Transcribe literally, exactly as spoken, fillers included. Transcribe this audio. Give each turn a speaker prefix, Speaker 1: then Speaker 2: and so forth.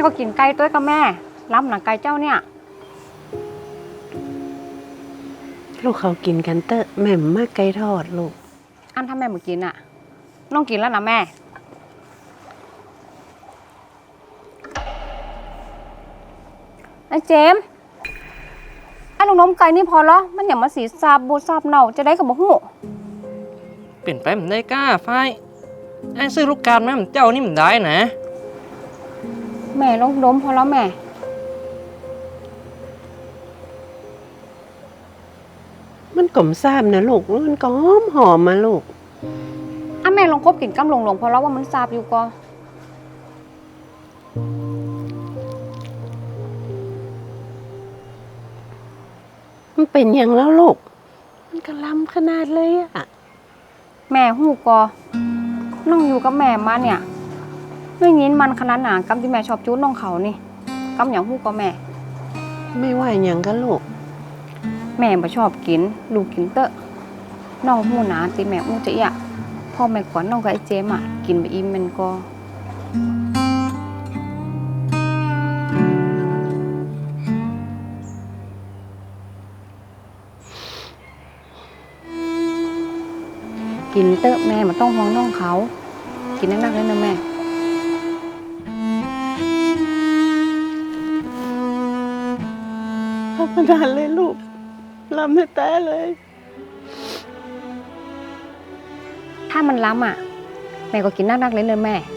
Speaker 1: ก็กินไก่ตัวกับแม่ล้ำหนังไก่เจ้าเนี่ย
Speaker 2: ลูกเขากินกันเตอะแม่มากไก่ทอดลูก
Speaker 1: อันถ้าแม่มากินอ่ะน้องกินแล้วนะแม่ไอ้เจมไอ้ลูกน้มไก่นี่พอแล้วมันอย่ามาสีซาบบูซาบเน่าจะได้กับบ่หู
Speaker 3: เปลี่ยนไปมันได้ก้าไฟไอ้ซื้อลูกการแม่มันเจ้านี่มันได้นะ
Speaker 1: แม่ลงล้มพอแล้วแม่
Speaker 2: มันกลมซาบนะลูกมันก็หอมหอมมาลูก
Speaker 1: อ่ะแม่ลองคบกินกำหลงหลงพอแล้วว่ามันซาบอยู่ก็
Speaker 2: มันเป็นอย่างแล้วลูกมันกระลำขนาดเลยอะ
Speaker 1: แม่หูกอน้องอยู่กับแม่มาเนี่ยด้วยยินมันขนาดหนากำที่แม่ชอบจู้น้องเขานี่กำอย่างหูกอแม่
Speaker 2: ไม่ว่าอย่างกันลูก
Speaker 1: แม่บ่ชอบกินลูกกินเตอะน้องหูหนาตีแม่อู้จะอยากพ่อแม่ขวัญน้องกับไอ้เจมอ่ะกินไปอิ่มมันก็กินเตอะแม่มันต้องห่วงน้องเขากินนักๆเลยนะแม่
Speaker 2: ธรรมดาเลยลูกลำให้แต่เลย
Speaker 1: ถ้ามันล้ำอ่ะแม่ก็กินนักๆเลยเลยแม่